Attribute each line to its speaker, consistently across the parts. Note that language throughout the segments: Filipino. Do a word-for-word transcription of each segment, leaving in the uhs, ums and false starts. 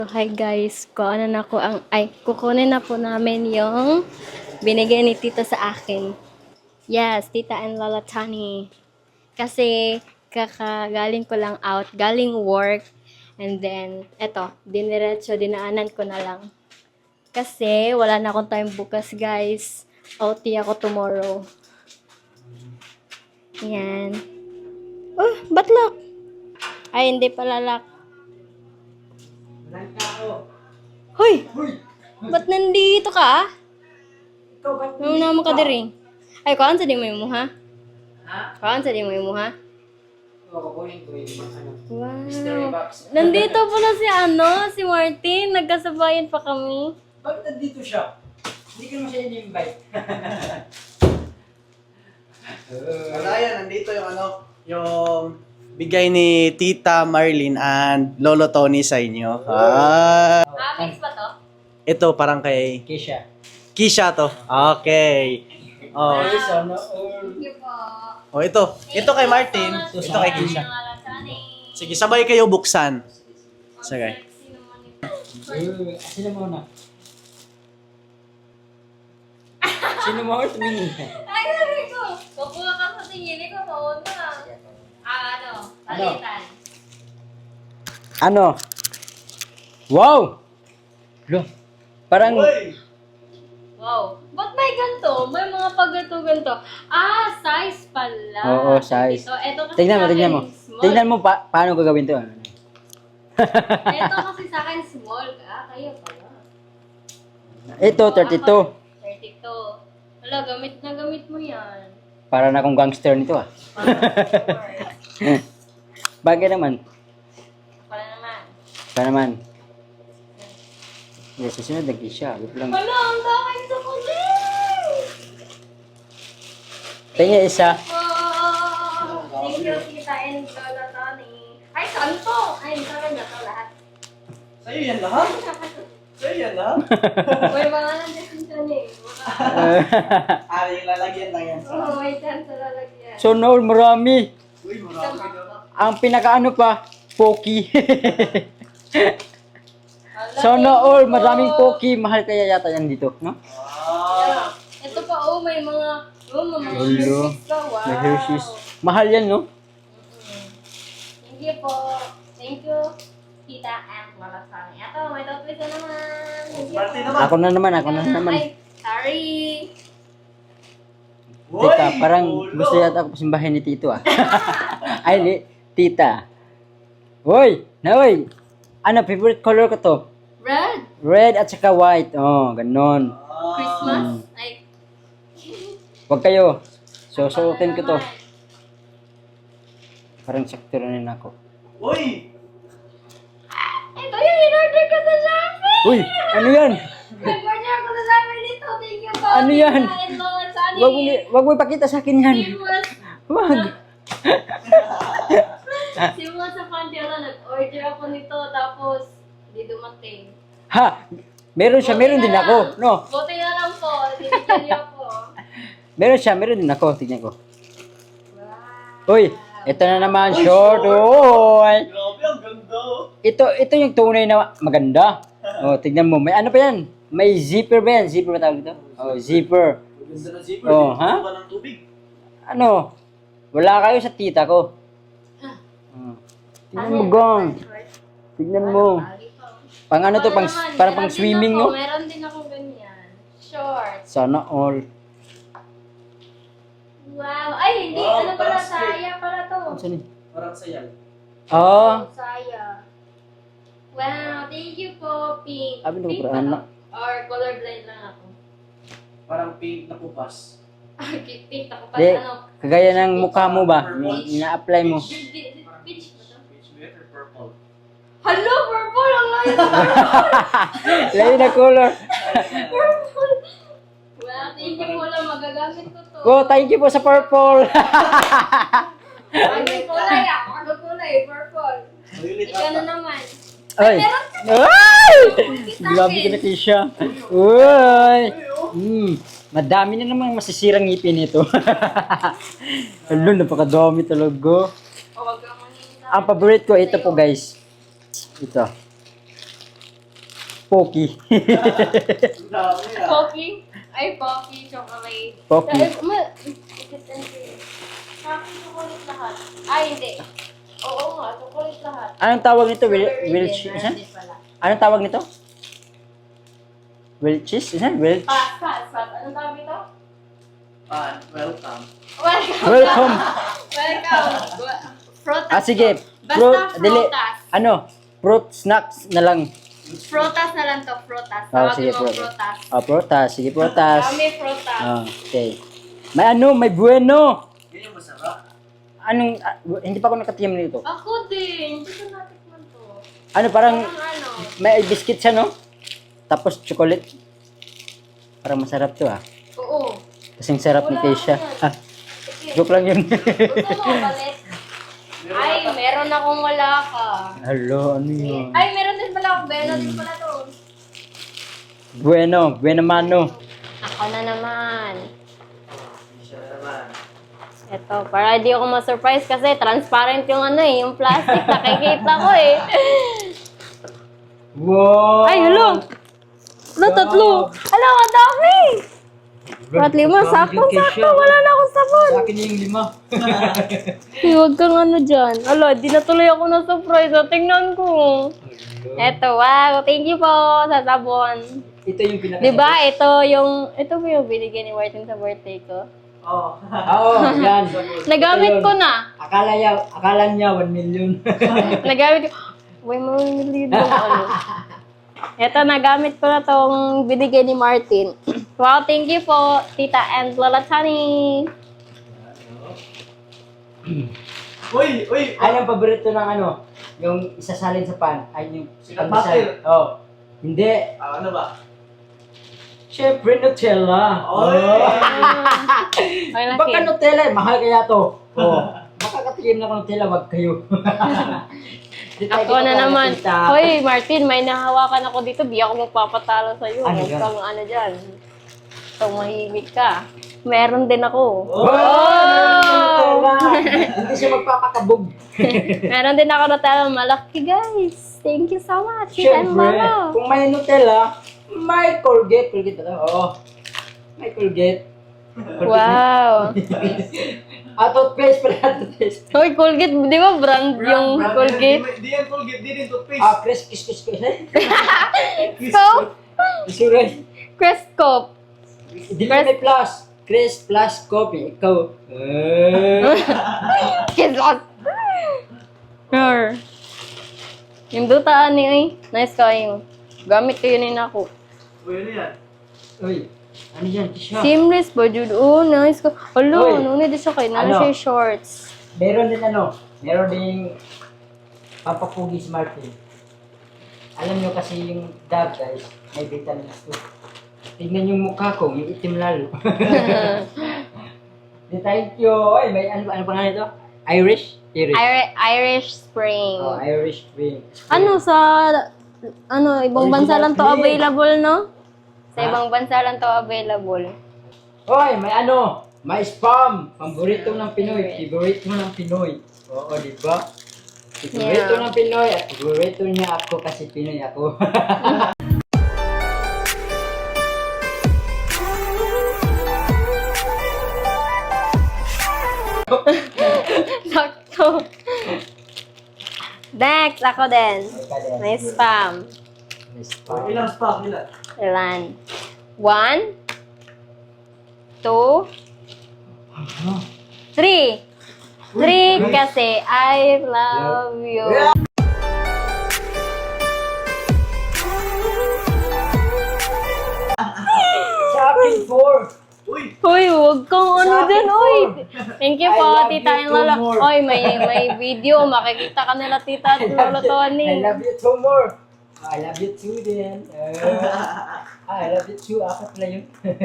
Speaker 1: Hi guys, kuha na ko ang ay kukunin na po namin yung binigay ni Tita sa akin. Yes, Tita and Lola Tani. Kasi kakagaling ko lang out, galing work, and then eto, diniretso dinaanan ko na lang. Kasi wala na akong time bukas, guys. O T ako tomorrow. Yan. Oh, ba't lock? Ay, hindi pala lock.
Speaker 2: Walang tao.
Speaker 1: Hoy!
Speaker 2: Uy!
Speaker 1: Ba't nandito ka?
Speaker 2: Ikaw ba't
Speaker 1: Ano naman ka diri? Ay, kuhaan sa di mo yung muha?
Speaker 2: Ha?
Speaker 1: Kuhaan sa di mo yung muha?
Speaker 2: Oo, kukunin ko yung ano.
Speaker 1: Wow.
Speaker 2: Mystery box.
Speaker 1: Nandito pala si ano, si Martin. Nagkasabayan pa kami.
Speaker 2: Bakit nandito siya? Hindi ka naman siya in-invite.
Speaker 3: Wala yan, nandito yung ano, yung bigay ni Tita Marlene and Lolo Tony sa inyo. Ah,
Speaker 1: Ah, mix ba to?
Speaker 3: ito parang kay
Speaker 2: Kisha.
Speaker 3: Kisha to. Okay. Oh,
Speaker 2: Ay, sana all.
Speaker 1: Thank you po.
Speaker 3: oh ito. Ito kay Martin,
Speaker 2: Thank you
Speaker 3: ito kay
Speaker 2: so much.
Speaker 3: Kisha. Sige, sabay kayo buksan. Sige.
Speaker 2: Uh, sino muna? Sino mo tumingin?
Speaker 1: Ay, sabi ko. Kukuha ka sa tingin ko. Pauna. Ah, ano? Palitan.
Speaker 2: Ano? Wow! Lo, parang...
Speaker 1: Wow. Ba't may ganito? May mga pagganto-ganto. Ah, size pala.
Speaker 2: Oo, size.
Speaker 1: Ito, ito kasi
Speaker 2: Tignan mo,
Speaker 1: sa
Speaker 2: tignan
Speaker 1: akin,
Speaker 2: mo.
Speaker 1: small.
Speaker 2: Tignan mo pa, paano gagawin to.
Speaker 1: Ito kasi sa akin small. Ah, kayo pala.
Speaker 2: Ito, thirty-two.
Speaker 1: thirty-two. Wala, gamit na gamit mo yan.
Speaker 2: Para na akong gangster nito ah. Bagay naman.
Speaker 1: Pala naman.
Speaker 2: Pa naman. Yes, susunod nag siya. Wait lang.
Speaker 1: Wala, ang dami sa kulit!
Speaker 2: Tingnan isa.
Speaker 1: Oh, thank you, Tita and Lola Tony. Ay, santo! Ay, sa kanya to lahat.
Speaker 3: Sa'yo yan lahat? Sa'yo yan lahat?
Speaker 1: May mga nandiyan dyan eh.
Speaker 3: Ah, yung lalagyan lang yan.
Speaker 1: Oo, may chance sa lalagyan.
Speaker 2: So, no, marami.
Speaker 3: Uy, marami na.
Speaker 2: Ang pinakaano pa, Poki.
Speaker 1: Ala,
Speaker 2: So,
Speaker 1: thank
Speaker 2: no,
Speaker 1: you
Speaker 2: all,
Speaker 1: po.
Speaker 2: maraming Poki. Mahal kaya yata yan dito, no?
Speaker 3: Ah,
Speaker 1: Ito pa, oh, may mga, oh, may mga
Speaker 2: Hello.
Speaker 1: Hershey's ka, wow.
Speaker 2: May Hershey's. Mahal yan, no?
Speaker 1: Mm-mm. Thank you po. Thank you, Tita and Lola Tony. Ito, may totoo na naman. Thank you
Speaker 3: Martin
Speaker 1: po.
Speaker 3: naman.
Speaker 2: Ako na naman, ako na naman.
Speaker 1: Ay, sorry.
Speaker 2: Teka,
Speaker 3: Uy,
Speaker 2: parang
Speaker 3: ulo.
Speaker 2: gusto yata ako simbahin ni Tito, ah. Ay, ni, Tita. Hoy, na, hoy. Ano, favorite color ko to?
Speaker 1: Red.
Speaker 2: Red at saka white. Oh, ganon.
Speaker 1: Christmas. Ay,
Speaker 2: Huwag kayo. So, suotin ko to.
Speaker 1: naman.
Speaker 2: Parang sakto rin ako.
Speaker 3: Uy!
Speaker 1: Ito yung in-order ko sa Shopee.
Speaker 2: Uy, ano yan?
Speaker 1: Nag-order ako sa Shopee dito. Thank you po.
Speaker 2: Ano yan?
Speaker 1: Tita and Lola Tony.
Speaker 2: Wag mo, wag mo ipakita sa akin yan.
Speaker 1: Seamless.
Speaker 2: Wag.
Speaker 1: Seamless sa Fantiola. Nag-order ako nito. Tapos, hindi dumating.
Speaker 2: Ha? Meron siya, meron
Speaker 1: Buti
Speaker 2: din
Speaker 1: na
Speaker 2: ako.
Speaker 1: lang.
Speaker 2: No,
Speaker 1: Buti na lang po. Binigyan niyo ako.
Speaker 2: meron siya, meron din ako. Tignan ko.
Speaker 1: Wow.
Speaker 2: Uy, ito na naman, short. Oy.
Speaker 3: Grabe, ang ganda.
Speaker 2: Ito, ito yung tunay na maganda. Oh, tignan mo. May ano pa yan? May zipper ba yan? Zipper ba tawag ito? Oh, zipper.
Speaker 3: Ang ganda ng zipper.
Speaker 2: Oh,
Speaker 3: Dito
Speaker 2: ha?
Speaker 3: ka ng tubig.
Speaker 2: Ano? Wala kayo sa tita ko. Oh. Tignan mo, gong. Tignan mo. Pang ano to? Pang,
Speaker 1: naman,
Speaker 2: parang
Speaker 1: meron
Speaker 2: pang
Speaker 1: din
Speaker 2: swimming,
Speaker 1: ako,
Speaker 2: no?
Speaker 1: Meron din ako ganyan. Short.
Speaker 2: Sana all.
Speaker 1: Wow. Ay, hindi.
Speaker 3: Wow,
Speaker 1: ano pala?
Speaker 3: parang skirt.
Speaker 1: Saya pala to.
Speaker 2: Saan eh?
Speaker 3: Parang sayal.
Speaker 2: Oh,
Speaker 1: Saya. Wow. Thank you po, pink.
Speaker 2: Sabi ko,
Speaker 1: Pink
Speaker 2: pero
Speaker 1: ba
Speaker 2: ano?
Speaker 1: to? Or colorblind lang ako.
Speaker 3: Parang pink na pupas.
Speaker 1: Ah, pink ako pa.
Speaker 2: di,
Speaker 1: Ano?
Speaker 2: kagaya ng mukha mo ba? Ina-apply mo.
Speaker 1: Peach di- di- peach ba to?
Speaker 3: Peach red or purple?
Speaker 1: Hello, purple! Ang layo.
Speaker 2: Layo na color.
Speaker 1: Purple. Wow, thank you po lang. Magagamit ko to.
Speaker 2: Oh, thank you po sa purple.
Speaker 1: Ano kulay ah? Ano kulay? Purple.
Speaker 3: Violet
Speaker 1: Ikaw na
Speaker 3: ata.
Speaker 1: naman.
Speaker 2: Ay.
Speaker 1: Meron ka
Speaker 2: Ay!
Speaker 1: sa
Speaker 2: Grabe
Speaker 1: akin.
Speaker 2: ka na, Keisha. Uy! Mm, madami na namang masisirang ngipin nito. Hello, napakadami talaga.
Speaker 1: O, wag ka manina.
Speaker 2: Ang paborito ko, ito po guys. Ito. Pocky.
Speaker 3: Dami ah.
Speaker 1: Pocky? Ay, Pocky, chocolate.
Speaker 2: Pocky.
Speaker 1: Ay, ma- Pocky, chocolate lahat. Ay, hindi. Oo nga, chocolate lahat.
Speaker 2: Anong tawag nito? Will,
Speaker 1: Strawberry
Speaker 2: will
Speaker 1: din,
Speaker 2: cheese?
Speaker 1: meron din pala.
Speaker 2: Anong tawag nito? Will cheese? Isa? Will
Speaker 1: Pass, pass, pass. Anong tawag ito?
Speaker 3: Ah, welcome.
Speaker 1: Welcome.
Speaker 2: Welcome.
Speaker 1: Welcome. Frutas.
Speaker 2: Ah, sige.
Speaker 1: Basta
Speaker 2: Fruit, dili.
Speaker 1: frutas.
Speaker 2: Ano? Fruit snacks na lang.
Speaker 1: Frutas na lang to, frutas.
Speaker 2: Ah,
Speaker 1: Tawagin
Speaker 2: sige,
Speaker 1: mo
Speaker 2: frutas.
Speaker 1: frutas.
Speaker 2: Ah, prutas. Sige, prutas.
Speaker 1: Dami frutas.
Speaker 2: Ah, okay. May ano? May bueno.
Speaker 3: Yun yung masarap.
Speaker 2: Anong, ah, hindi pa ako nakatiyam nito.
Speaker 1: Ako din. Hindi ko natikman to.
Speaker 2: Ano, parang
Speaker 1: Parang ano.
Speaker 2: may biscuit siya, no? Tapos chocolate. Parang masarap to, ah.
Speaker 1: Oo.
Speaker 2: Kasing sarap ni
Speaker 1: Wala
Speaker 2: Keisha.
Speaker 1: yan.
Speaker 2: Ah, joke lang yun.
Speaker 1: Gusto mo ulit? Ay, meron akong wala ka.
Speaker 2: Hello, ano yun?
Speaker 1: Ay, meron din pala ako. Meron din pala to.
Speaker 2: Bueno, bueno mano.
Speaker 1: Ako na naman.
Speaker 3: Siya naman.
Speaker 1: Ito, para di ako ma-surprise kasi transparent yung ano eh, yung plastic. Nakikita ko eh.
Speaker 2: Wow!
Speaker 1: Ay, hello! Ano, tatlo? Hala, ang dami! At lima, saktong-sakto, wala na akong sabon.
Speaker 2: Sa akin yung lima.
Speaker 1: Hey, huwag kang ano dyan. Ala, di na tuloy ako na-surprise. O, tingnan ko. Eto, wow. Thank you po sa sabon.
Speaker 2: Ito yung pinaka...
Speaker 1: Diba, ito yung, ito po yung binigyan ni Martin sa birthday ko.
Speaker 3: Oh.
Speaker 2: Oo, yan.
Speaker 1: Nagamit
Speaker 2: Ito
Speaker 1: ko
Speaker 2: yun.
Speaker 1: na.
Speaker 2: Akala niya, akala niya one million.
Speaker 1: Nagamit ko. Uy, mamimili yung ano. Ito, nagamit ko na tong binigay ni Martin. Wow, thank you po, Tita and Lola Tani.
Speaker 3: Uy, uy.
Speaker 2: Ano ang paborito ng ano? Yung isasalin sa pan. Ay, yung
Speaker 3: Sikat
Speaker 2: pandesal.
Speaker 3: butter.
Speaker 2: Oh. Hindi.
Speaker 3: Ah, ano ba?
Speaker 2: Siyempre, Nutella.
Speaker 3: Oy!
Speaker 1: Ay,
Speaker 2: Baka
Speaker 1: laki.
Speaker 2: Nutella, eh. Mahal kaya to. Oh. Baka katikim na ng Nutella, wag kayo. Di tayo
Speaker 1: Ako na
Speaker 2: kita
Speaker 1: naman.
Speaker 2: nakita.
Speaker 1: Hoy, Martin, may nahawakan ako dito. Di ako magpapatalo sa'yo.
Speaker 2: Ano
Speaker 1: Huwag
Speaker 2: yan?
Speaker 1: kang ano dyan. Tumahimik ka. Meron din ako.
Speaker 2: Oh! Nutella! Hindi siya magpapakabog.
Speaker 1: Meron din ako Nutella. Malaki, guys. Thank you so much. Tita and
Speaker 2: Siyempre,
Speaker 1: Lolo.
Speaker 2: kung may Nutella, may Colgate. Colgate ba? Oo. May Colgate.
Speaker 1: Wow.
Speaker 2: Ah, toothpaste pala, toothpaste.
Speaker 1: Hoy, Colgate. Di ba brand yung Colgate?
Speaker 3: Di yan Colgate, di din toothpaste.
Speaker 2: Ah, Chris, kiss, kiss, kiss.
Speaker 1: Scope?
Speaker 2: Isuray.
Speaker 1: Crestcope.
Speaker 2: Dili may plus. Chris plus coffee. Ikaw. Eh.
Speaker 1: Kidlat. Her. Yung dutaan ni ay. Nice kayo. Gamit ko yun ako.
Speaker 3: Uy, ano yan?
Speaker 2: Uy, ano yan? Tisha.
Speaker 1: Seamless ba, Jude? Oh, nice ko. Hello,
Speaker 2: Hoy.
Speaker 1: ano na din siya kayo. Ano
Speaker 2: Ano?
Speaker 1: siya yung shorts?
Speaker 2: Meron din ano, meron din pampapugi si Martin. Alam nyo kasi yung dab guys, may vitamins to. Tignan yung mukha ko, yung itim lalo. Di thank you. Oy, may ano, ano pangalan ito? Irish? Irish.
Speaker 1: Irish, Irish Spring.
Speaker 2: Oh, Irish Spring.
Speaker 1: Ano sa ano ibang bansa lang to
Speaker 2: Original cream.
Speaker 1: available, no? Sa
Speaker 2: Ha?
Speaker 1: ibang bansa lang to available.
Speaker 2: Hoy, may ano, may spam. Paborito ng Pinoy. Favorite mo ng Pinoy. Oo, di ba? Favorito
Speaker 1: Yeah.
Speaker 2: ng Pinoy at favorito niya ako kasi Pinoy ako.
Speaker 1: Sakto. Next, ako din. May spam.
Speaker 2: May spam.
Speaker 3: Ilang stock, ilan?
Speaker 1: Ilan? One, two, three. Three kasi I love you.
Speaker 2: Sa akin, four.
Speaker 3: Uy!
Speaker 1: Hoy, huwag kang ano
Speaker 2: Sa akin
Speaker 1: din, hoy.
Speaker 2: four.
Speaker 1: Thank you
Speaker 2: I
Speaker 1: po,
Speaker 2: love
Speaker 1: Tita
Speaker 2: you
Speaker 1: and
Speaker 2: two
Speaker 1: Lola.
Speaker 2: more.
Speaker 1: Hoy, may may video. Makikita ka nila, Tita at
Speaker 2: I love
Speaker 1: Lola
Speaker 2: you-
Speaker 1: Tony.
Speaker 2: I love you two more. I love you too din. Uh, I love you too. Apat pala yun.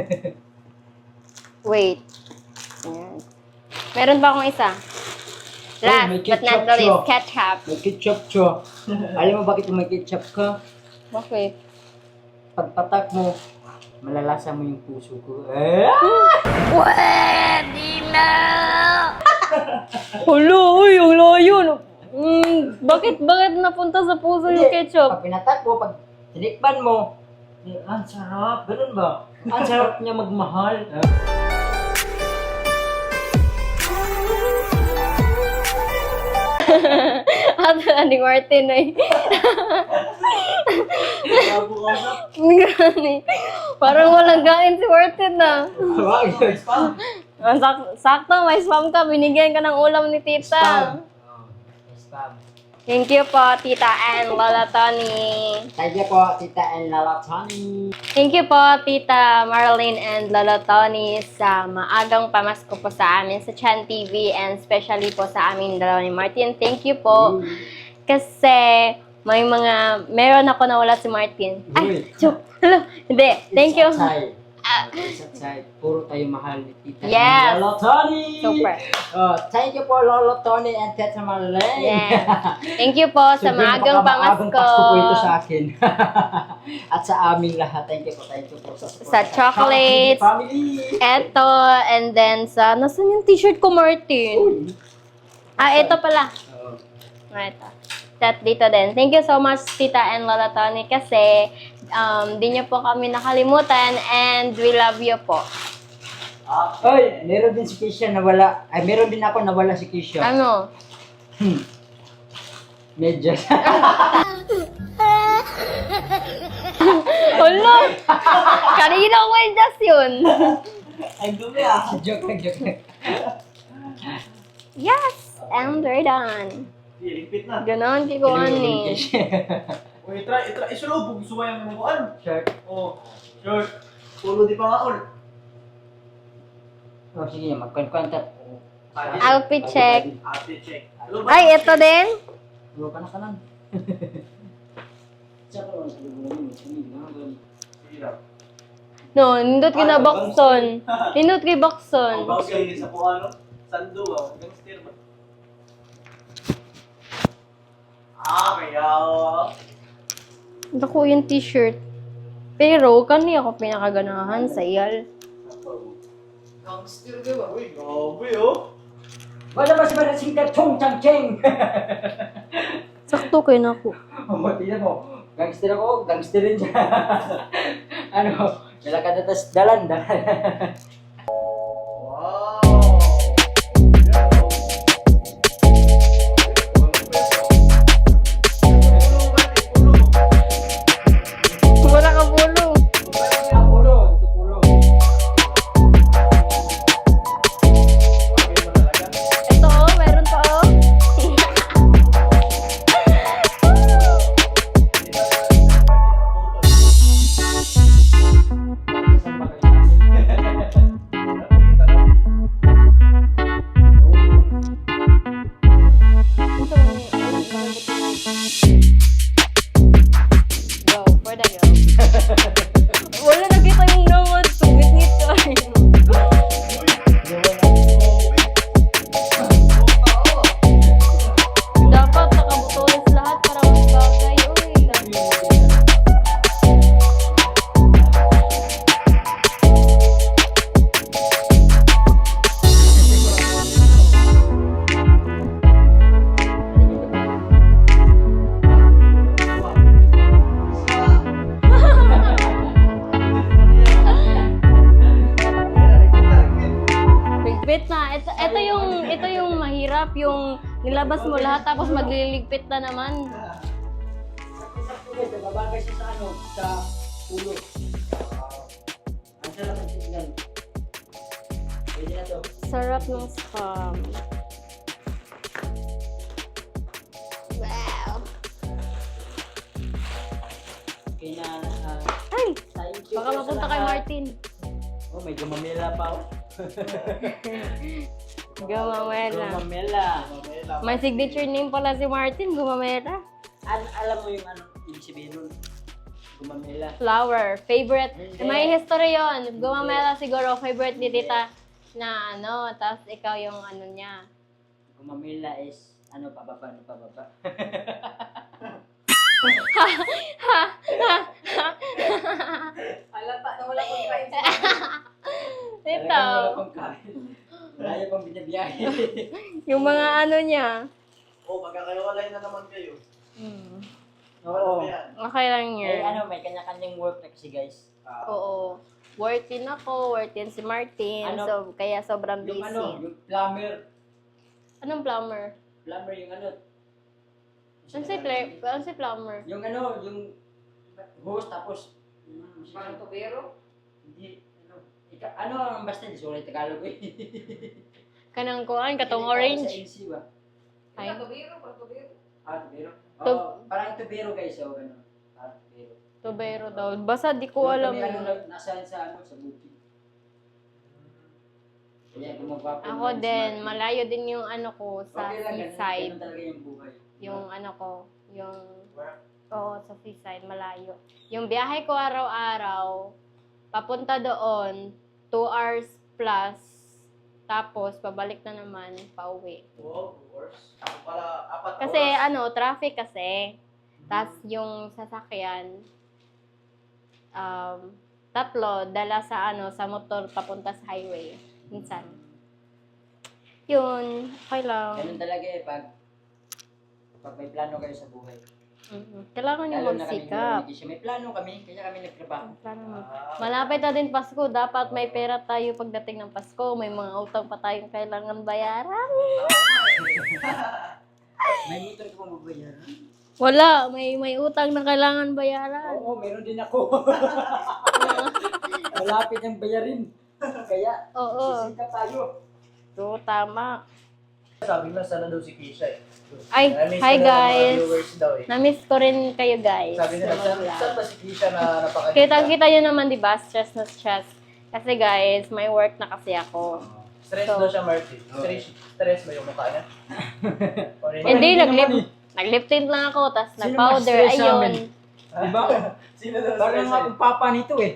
Speaker 1: Wait. Ayan. Meron pa akong isa. Last
Speaker 2: may
Speaker 1: but not
Speaker 2: ketchup
Speaker 1: the least,
Speaker 2: siya.
Speaker 1: ketchup.
Speaker 2: May ketchup siya. Alam mo bakit may ketchup ka?
Speaker 1: Okay.
Speaker 2: Pagpatak mo, malalasa mo yung puso ko. Eh?
Speaker 1: Pwede na! Hulo, uy, hulo yun. Mm, bakit, bakit napunta sa puso yung
Speaker 2: Hindi,
Speaker 1: ketchup?
Speaker 2: Pag pinatak mo, pag tinikman mo, eh, ang sarap, ganun ba? Ang sarap niya magmahal.
Speaker 1: Ato na ni Martin ay. Gani. Parang walang gain si Martin na.
Speaker 2: Wag yun.
Speaker 1: Ah, sak- sakto, may spam ka. Binigyan ka ng ulam ni tita.
Speaker 2: Spam. Oh, spam.
Speaker 1: Thank you po, Tita and Lola Tony.
Speaker 2: Thank you po, Tita and Lala Tony.
Speaker 1: Thank you po, Tita Marlene and Lola Tony sa maagang pamasko po sa amin sa Chan T V and especially po sa amin dalawa ni Martin. Thank you po. Kasi may mga, meron ako nawala si Martin. Ay,
Speaker 2: Uy.
Speaker 1: joke. Hello. Hindi, thank you.
Speaker 2: It's outside. It's outside. Puro tayo mahal ni Tita
Speaker 1: Yes.
Speaker 2: and Lolo Tony.
Speaker 1: Super.
Speaker 2: Oh, thank you po, Lolo Tony and Tita Marlene.
Speaker 1: Yes. Thank you po sa
Speaker 2: Sobrang
Speaker 1: maagang
Speaker 2: pagkamaagang
Speaker 1: pamasko.
Speaker 2: Pasko po ito sa akin. At sa aming lahat. Thank you po, thank you po sa support.
Speaker 1: Sa chocolates.
Speaker 2: Family.
Speaker 1: Eto, and then sa, nasan yung t-shirt ko, Martin? Ah, eto pala.
Speaker 2: Oh.
Speaker 1: Ah, ito. That dito din. Thank you so much, Tita and Lola Tony, kasi um, di niyo po kami nakalimutan and we love you po.
Speaker 2: Oy, meron din si Kisha nawala. Ay, meron din ako nawala si Kisha.
Speaker 1: Ano?
Speaker 2: Hmm. Medyas.
Speaker 1: Hala! Kanina ko yung just yun.
Speaker 3: Ang dumi ah.
Speaker 2: Joke lang, joke lang.
Speaker 1: Yes! And we're done.
Speaker 3: Lipit na.
Speaker 1: Ganon, kikuhan ni.
Speaker 3: Uy, try, try, isulubog, suwayang mo kuan.
Speaker 2: Shirt.
Speaker 3: Oh, shirt. Pulo di pa nga ol.
Speaker 2: Oh, sige, magkwan-kwantat.
Speaker 1: Outfit check.
Speaker 3: Ate check.
Speaker 1: Ay, ito din.
Speaker 2: Ulo ka na ka lang. Tsaka lang sa lubo mo.
Speaker 3: Sige daw.
Speaker 1: No, nindot ka na bakson. Nindot kay
Speaker 3: Ang
Speaker 1: bakson.
Speaker 3: bagay sa kung ano, sando ah, gangster ba? Ah, kaya oh.
Speaker 1: Ako yung t-shirt. Pero, kani ako pinakaganahan sa iyal.
Speaker 3: Gangster ka ba? Uy, grabe oh.
Speaker 2: Wala ba si Manasing ka chong chang cheng?
Speaker 1: Sakto kayo na ako.
Speaker 2: Oh, tingnan mo. Gangster ako, gangster rin siya. Ano, nilakad na tas dalan, dalan.
Speaker 3: Wow.
Speaker 1: Wala ka bulo.
Speaker 2: Ang ulo, ito ulo.
Speaker 1: Ito oh, meron pa oh. Go, for the go. Wala nakita yung nangod. Tungit-ngit ka. Dapat nakabutones lahat para mas bagay. Uy, ligpit na. Ito, ito yung ito yung mahirap, yung nilabas mo lahat tapos magliligpit na naman.
Speaker 2: Sakto guys, nababagay siya sa ano, sa ulo. Ang sarap ng tignan. Pwede na to.
Speaker 1: Sarap ng scam. Wow.
Speaker 2: Okay na, ah,
Speaker 1: Ay,
Speaker 2: thank you
Speaker 1: baka
Speaker 2: po sa
Speaker 1: mapunta kay
Speaker 2: lahat.
Speaker 1: Martin.
Speaker 2: Oh, may gumamela pa oh.
Speaker 1: Gumamela.
Speaker 2: Gumamela.
Speaker 1: May signature name pala si Martin, Gumamela.
Speaker 2: Al- alam mo yung ano, ibig sabihin nun? Gumamela.
Speaker 1: Flower, favorite.
Speaker 2: Hindi.
Speaker 1: May history yon. Gumamela siguro, favorite ni tita na ano, tapos ikaw yung ano niya.
Speaker 2: Gumamela is, ano, pababa, ano, pababa.
Speaker 4: Halata na wala kong kain sa
Speaker 1: Ito,
Speaker 2: Talagang wala pang kain. Wala pang binabiyahe.
Speaker 1: yung mga ano niya.
Speaker 3: Oh, magkakaiwalay na naman kayo.
Speaker 1: Hmm.
Speaker 2: Oo.
Speaker 1: Okay lang
Speaker 2: Eh,
Speaker 1: yun.
Speaker 2: ano, may kanya-kanyang work na kasi guys.
Speaker 1: Oo. Working ako, working si Martin.
Speaker 2: Ano?
Speaker 1: So, kaya sobrang busy.
Speaker 2: Yung ano, yung plumber.
Speaker 1: Anong plumber?
Speaker 2: Plumber yung ano.
Speaker 1: Ano si, Claire? Ano si plumber?
Speaker 2: Yung ano, yung host tapos
Speaker 4: Parang tubero?
Speaker 2: hindi ano, ika, ano basta di sorry Tagalog eh.
Speaker 1: Kanang kuan, katong
Speaker 2: Hindi, parang
Speaker 1: orange.
Speaker 2: Sa N C ba?
Speaker 1: Ay.
Speaker 4: Parang tubero, parang tubero.
Speaker 2: Ah, tubero.
Speaker 1: Tub-
Speaker 2: Oo, parang tubero guys, oh, ano. Parang tubero.
Speaker 1: Tubero daw. Basta di ko
Speaker 2: Yung
Speaker 1: alam
Speaker 2: kami, ano,
Speaker 1: yun.
Speaker 2: na- nasaan sa ano, sa bukid. Kaya gumagawa po
Speaker 1: Ako
Speaker 2: ng
Speaker 1: din,
Speaker 2: smart.
Speaker 1: malayo din yung ano ko sa
Speaker 2: Okay lang, ganun-
Speaker 1: seaside.
Speaker 2: ganun talaga yung buhay.
Speaker 1: Yung ano ko, yung
Speaker 3: Work.
Speaker 1: oo, sa seaside, malayo. Yung biyahe ko araw-araw, papunta doon, two hours plus, tapos pabalik na naman, pauwi.
Speaker 3: Wow, worse. Ako pala, apat na
Speaker 1: Kasi
Speaker 3: oras.
Speaker 1: ano, traffic kasi. Tapos yung sasakyan, um, tatlo, dala sa ano, sa motor papunta sa highway. Minsan. Yun, okay lang.
Speaker 2: Ganun talaga eh, pag pag may plano kayo sa buhay.
Speaker 1: Mhm. Kailangan yung
Speaker 2: Lalo na kami
Speaker 1: magsikap.
Speaker 2: ni May plano kami, kaya kami nagtrabaho.
Speaker 1: Plano mo.
Speaker 3: Ah,
Speaker 1: Malapit na din Pasko, dapat may pera tayo pagdating ng Pasko. May mga utang pa tayong kailangan bayaran.
Speaker 2: May motor ka pang babayaran?
Speaker 1: Wala, may may utang na kailangan bayaran.
Speaker 2: Oo, meron din ako. Malapit ang bayarin. Kaya,
Speaker 1: Oo.
Speaker 2: sisikap tayo.
Speaker 1: So, tama.
Speaker 3: Sabi mo, sana daw si Kisha eh.
Speaker 1: Ay,
Speaker 3: Na-miss
Speaker 1: hi
Speaker 3: ko na ng mga
Speaker 1: guys.
Speaker 3: viewers daw eh.
Speaker 1: Na-miss ko rin kayo guys.
Speaker 3: Sabi nila,
Speaker 1: sa
Speaker 3: saan,
Speaker 1: vlog.
Speaker 3: saan ba si Kisha na napakaganda?
Speaker 1: Kita-kita nyo naman, di ba? Stress na stress. Kasi guys, may work na kasi ako.
Speaker 3: Stress
Speaker 1: So-
Speaker 3: daw siya, Martin. Stress, stress ba yung mukha niya? Or
Speaker 1: Hindi,
Speaker 2: hindi
Speaker 1: naglip,
Speaker 2: naman
Speaker 1: nag-lip tint lang ako, tapos
Speaker 2: Sino
Speaker 1: nag-powder,
Speaker 2: mas stress sa amin?
Speaker 1: ayun.
Speaker 2: Diba?
Speaker 3: Sino daw
Speaker 2: Parang
Speaker 3: stress?
Speaker 2: nga akong papa nito eh.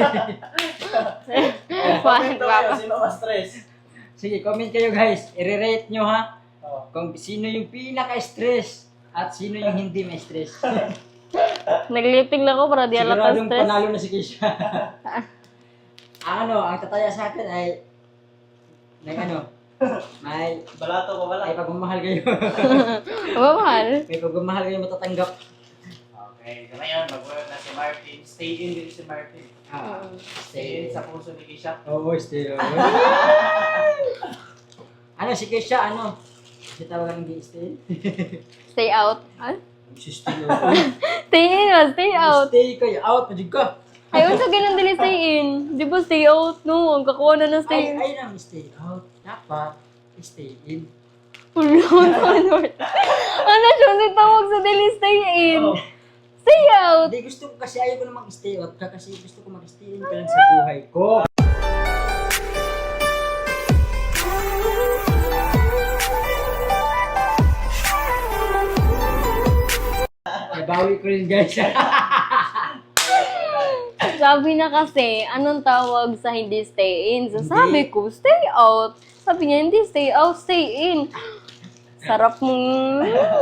Speaker 3: Comment daw kayo, sino mas stress?
Speaker 2: Sige, comment kayo guys. I-rate nyo ha.
Speaker 3: Oh.
Speaker 2: Kung sino yung pinaka-stress at sino yung hindi may stress.
Speaker 1: Nag-lip tint lang ako para di alata
Speaker 2: Siguradong
Speaker 1: stress.
Speaker 2: panalo na si Keisha. Ang ano, ang tataya sa akin ay may ano, may
Speaker 3: Balato pa pala.
Speaker 2: may pagmamahal kayo.
Speaker 1: Mabahal.
Speaker 2: May pagmamahal kayo matatanggap.
Speaker 3: Okay, so ngayon, mag-work na si Martin. Stay in din si Martin.
Speaker 2: Ah,
Speaker 3: Stay in sa puso ni Kisha.
Speaker 2: Oo, stay on. Ano, si Keisha, ano? Kasi tawagan hindi stay.
Speaker 1: Stay out. Ah?
Speaker 2: Si stay on.
Speaker 1: Stay in, ah, stay out.
Speaker 2: Stay kayo, out, majig ka.
Speaker 1: Ayun sa ganun dili stay in. Di ba stay out, no? Ang kakuha na ng stay
Speaker 2: Ay,
Speaker 1: in.
Speaker 2: ay lang, stay out. Dapat, stay in.
Speaker 1: Ano siya, hindi tawag sa dili stay in.
Speaker 3: Oh.
Speaker 1: Stay out.
Speaker 2: Hindi, gusto ko kasi ayaw ko na mag-stay out ka kasi gusto ko mag-stay in ka lang sa buhay ko. Nabawi ko rin guys.
Speaker 1: Sabi na kasi, anong tawag sa hindi stay in? So sabi ko, stay out. Sabi niya, hindi stay out, stay in. Sarap mong...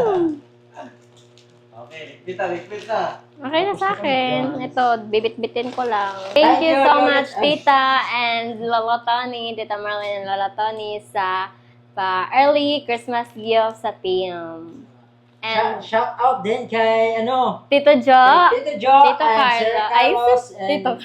Speaker 3: Okay, kita, repeat na.
Speaker 1: Okay na sa akin. Ito, bibit-bitin ko lang. Thank you so much, Tita and Lola Tony, Tita Marlene and Lola Tony sa pa early Christmas gift sa team. And
Speaker 2: Shout out din kay ano,
Speaker 1: Tito Jo,
Speaker 2: kay Tito Jo
Speaker 1: Tito
Speaker 2: and Sir
Speaker 1: Carlo. Ay,
Speaker 2: Carlos
Speaker 1: sus,
Speaker 2: and
Speaker 1: Tito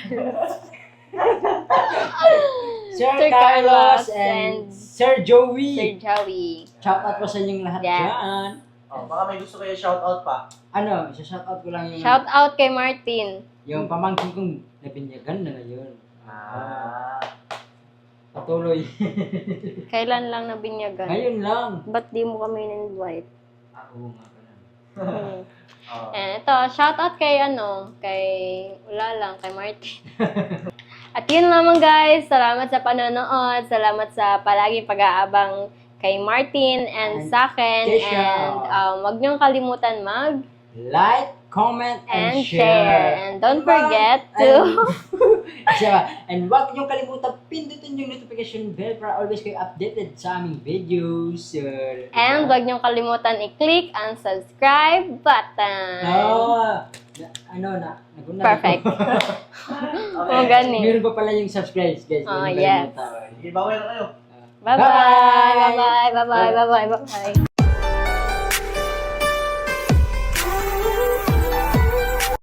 Speaker 2: Sir
Speaker 1: Sir
Speaker 2: Carlos
Speaker 1: Carlos
Speaker 2: and
Speaker 1: and
Speaker 2: Sir Joey.
Speaker 1: Sir Joey.
Speaker 2: Shout out po sa inyong lahat
Speaker 1: Yes.
Speaker 2: dyan.
Speaker 3: Oh, baka may gusto kayo shout out pa.
Speaker 2: Ano, isa-shout out ko lang yung
Speaker 1: Shout out kay Martin.
Speaker 2: yung pamangkin kong nabinyagan na ngayon.
Speaker 3: Ah.
Speaker 2: Patuloy.
Speaker 1: Kailan lang nabinyagan?
Speaker 2: Ngayon lang.
Speaker 1: Ba't di mo kami in-invite?
Speaker 2: Ah, oo nga pala.
Speaker 1: Hmm.
Speaker 3: Oh.
Speaker 1: And ito, shout out kay ano, kay, wala lang, kay Martin. At yun lamang guys, salamat sa panonood, salamat sa palaging pag-aabang kay Martin and,
Speaker 2: And
Speaker 1: sa akin.
Speaker 2: Keisha.
Speaker 1: And um, wag niyong kalimutan mag
Speaker 2: Like, comment, and,
Speaker 1: and share. And don't forget to...
Speaker 2: Siya. And huwag niyong kalimutan pindutin yung notification bell para always kayo updated sa aming videos. Uh,
Speaker 1: And wag niyong kalimutan i-click ang subscribe button.
Speaker 2: Oh, na, ano na, naguna
Speaker 1: Perfect.
Speaker 3: Okay.
Speaker 1: O gani.
Speaker 2: Meron pa pala yung subscribe, guys.
Speaker 1: Oh,
Speaker 2: Huwag niyong
Speaker 1: yes.
Speaker 2: kalimutan.
Speaker 3: Sige, bawal na kayo.
Speaker 1: Bye-bye. Bye-bye. Bye-bye. Bye-bye. Bye-bye.